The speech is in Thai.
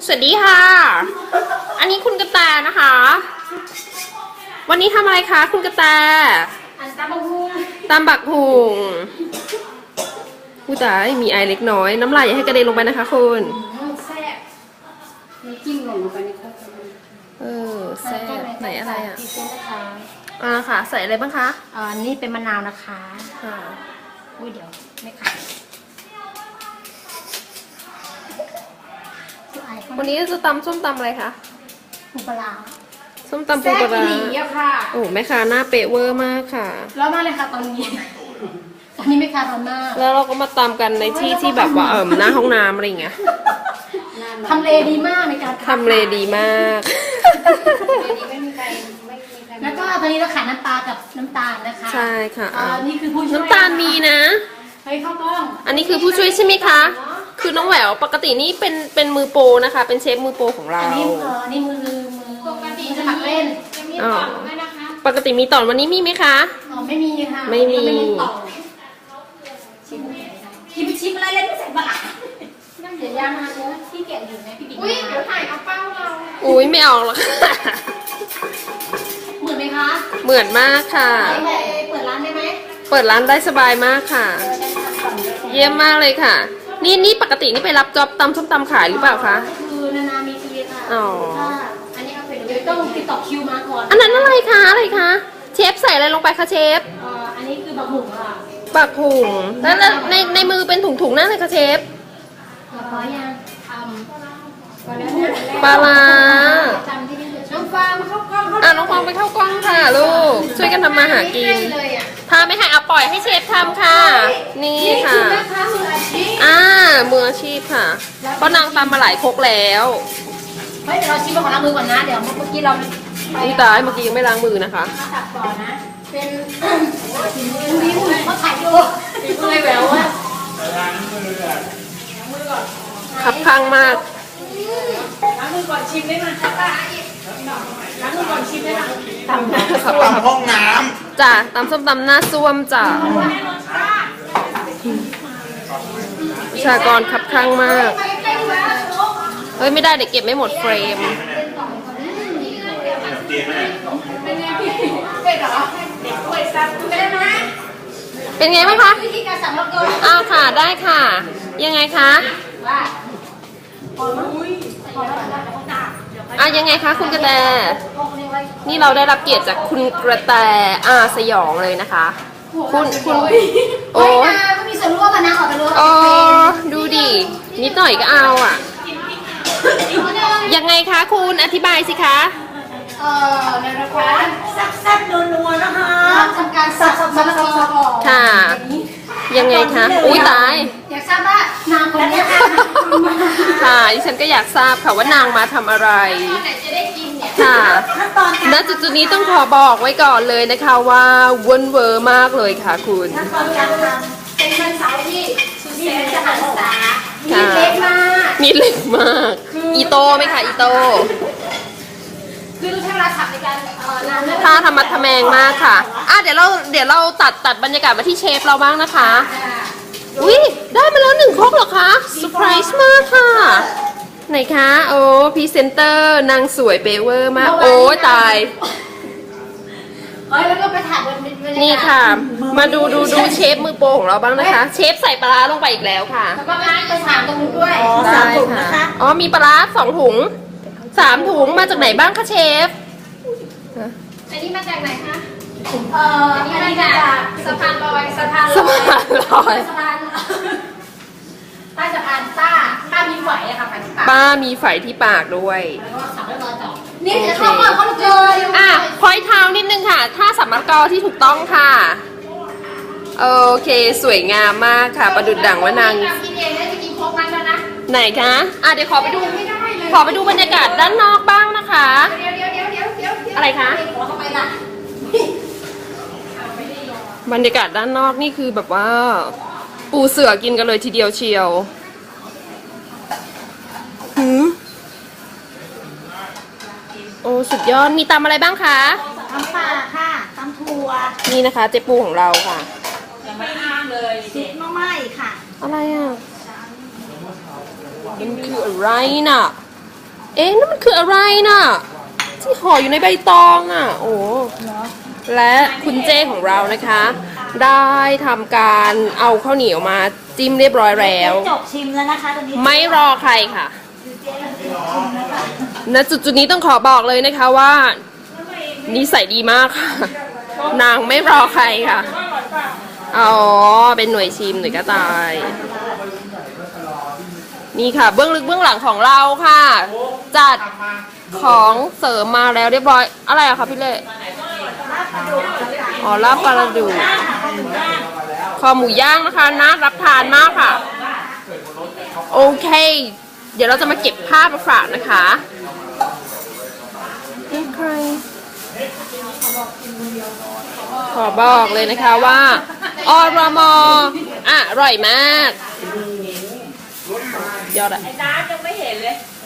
สวัสดีค่ะ อันนี้คุณกระแตนะคะ วันนี้ทำอะไรคะคุณกระแตตำบักหุ่งตำบักหุ่งผู้ตายมีไอเล็กน้อยน้ำลายอย่าให้กระเด็นลงไปนะคะคุณแซ่บมีจิ้มลงไปในครกแซ่บไหนอะไรอ่ะค่ะใส่อะไรบ้างคะนี่เป็นมะนาวนะคะค่ะอุ้ยเดี๋ยวไม่ขาดวันนี้จะตำส้มตำอะไรคะปูปลาส้มตำปูปลาค่ะโอ้แม่ค้าหน้าเป๊ะเวอร์มากค่ะแล้วมาเลยค่ะตอนนี้แม่ค้าร้อนมากแล้วเราก็มาตำกันในที่ที่แบบว่าหน้าห้องน้ำอะไรอย่างเงี้ยทำเลดีมากในการทำเลดีมากแล้วก็ตอนนี้เราขายน้ำปลากับน้ำตาลนะคะใช่ค่ะนี่คือผู้ช่วยน้ำตาลมีนะเฮ้ยข้าวกล้องอันนี้คือผู้ช่วยใช่ไหมคะคือน้องแหววปกตินี่เป็นมือโปรนะคะเป็นเชฟมือโปรของเราอันนี้มือปกติจะหมักเล่นจะมีต่อไหมนะคะปกติมีต่อวันนี้มีไหมคะไม่มีค่ะไม่มีชิมอะไรเล่นไม่ใส่บะนั่งเดี๋ยวยามาเนื้อที่แกะอยู่ไหมพี่บิ๊กอุ้ยเดี๋ยวถ่ายเอาเป้าเราอุ้ยไม่ออกหรอกเหมือนไหมคะเหมือนมากค่ะเปิดร้านได้ไหมเปิดร้านได้สบายมากค่ะเยี่ยมมากเลยค่ะนี่ปกตินี่ไปรับจ็อบตำส้มตำขายหรือเปล่าคะคือนานๆมีทีค่ะอ๋ออันนี้เอาไปเดี๋ยวต้องติดต่อคิวมาก่อนอันนั้นอะไรคะเชฟใส่อะไรลงไปคะเชฟอันนี้คือบักหุ่งค่ะบักหุ่งแล้วในมือเป็นถุงนั่นเลยคะเชฟปลายังปลาลาน้องฟางเข้ากล้องน้องฟางไปเข้ากล้องค่ะลูกช่วยกันทำมาหากินถ้าไม่ให้เอาปล่อยให้เชฟทำค่ะนี่ค่ะมืออาชีพค่ะเพราะนางตำมาหลายครกแล้วเฮ้ยเดี๋ยวเราชิมของล้างมือก่อนนะเดี๋ยวเมื่อกี้เราตายเมื่อกี้ยังไม่ล้างมือนะคะตัดก่อนนะเป็นวิวเขาถ่ายอยู่เลยแววว่าล้างมือล้างมือก่อนขับข้างมากล้างมือก่อนชิมได้ไหมล้างมือก่อนชิมได้ไหมตำห้องน้ำจ้ะตำส้มตำหน้าซ่วมจ้ะประชากรขับข้างมากเฮ้ยไม่ได้เดี๋ยวเก็บไม่หมดเฟรมเป็นไงบ้างคะอ้าวค่ะได้ค่ะยังไงคะยังไงคะคุณกระแตนี่เราได้รับเกียรติจากคุณกระแตสยองเลยนะคะคุณโอ้ก็มีส่วนร่วมกันนะออกไปรู้ดูดินิดหน่อยก็เอายังไงคะคุณอธิบายสิคะนะคะแซ่บๆนัวๆนะคะทำการสับมะละกอค่ะยังไงคะอุ้ยตายอยากทราบว่านางคนนี้ค่ะดิฉันก็อยากทราบค่ะว่านางมาทำอะไรค่ะณจุดนี้ต้องขอบอกไว้ก่อนเลยนะคะว่าวนเวอร์มากเลยค่ะคุณขั้นตอนการทำเป็นวันเสาร์ที่สุดแสนจะหันษามีเล็กมากมีเล็กมากอีโต้ไหมคะอีโต้คือใช้เวลาขับในการถ้าธรรมะทแมงมากค่ะเดี๋ยวเราตัดบรรยากาศมาที่เชฟเราบ้างนะคะอุ้ยได้มาแล้ว1 ครกเหรอคะเซอร์ไพรส์มากค่ะไหนคะโอ้พรีเซนเตอร์นางสวยเปเวอร์มากโอ้ตายแล้วก็ไปถ่ายบนนี่ค่ะมาดูเชฟมือโปรของเราบ้างนะคะเชฟใส่ปลาลงไปอีกแล้วค่ะแล้วก็ไปถามตรงนู้นด้วยได้ค่ะมีปลา2 ถุง3 ถุงมาจากไหนบ้างคะเชฟอันนี้มาจากไหนคะอันนี้มาจากสะพานลอยใต้สะพานป้ามีไฝอะค่ะป้ามีไฝที่ปากด้วยแล้วก็ขับรถต่อนี่เดี๋ยวเขาเจอพอยเท้านิดนึงค่ะถ้าสัมมกที่ถูกต้องค่ะโอเคสวยงามมากค่ะประดุจดั่งว่านางไหนคะเดี๋ยวขอไปดูบรรยากาศด้านนอกบ้างนะคะอะไรคะบรรยากาศด้านนอกนี่คือแบบว่าปูเสือกินกันเลยทีเดียวเชียวโอ้สุดยอดมีตำอะไรบ้างคะตำปลาค่ะตำถั่วนี่นะคะเจ๊ปูของเราค่ะยังไม่ห้ามเลยซุปน้ำไหม้ค่ะอะไรมันคืออะไรน่ะเอ๊ะนั่นมันคืออะไรน่ะ ที่ห่ออยู่ในใบตองอ่ะ โอ้และคุณเจ้ของเรานะคะ ได้ทำการเอาข้าวเหนียวมาจิ้มเรียบร้อยแล้วจบชิมแล้วนะคะตอนนี้ไม่รอใครค่ะณจุดนี้ต้องขอบอกเลยนะคะว่านิสัยดีมากค่ะ นางไม่รอใครค่ะ อ๋อ เป็นหน่วยชิมหน่วยกระต่าย นี่ค่ะ เบื้องลึกเบื้องหลังของเราค่ะ จัดของเสริมมาแล้วเรียบร้อย อะไรอะคะพี่เล่อ๋อลาบปลาดูคอหมูย่างนะคะน่ารับทานมากค่ะ โอเค เดี๋ยวเราจะมาเก็บภาพมาฝากนะคะใครขอบอกเลยนะคะว่าอรมอร่อยมากยอดอะน้ำยังไม่เห็นเลย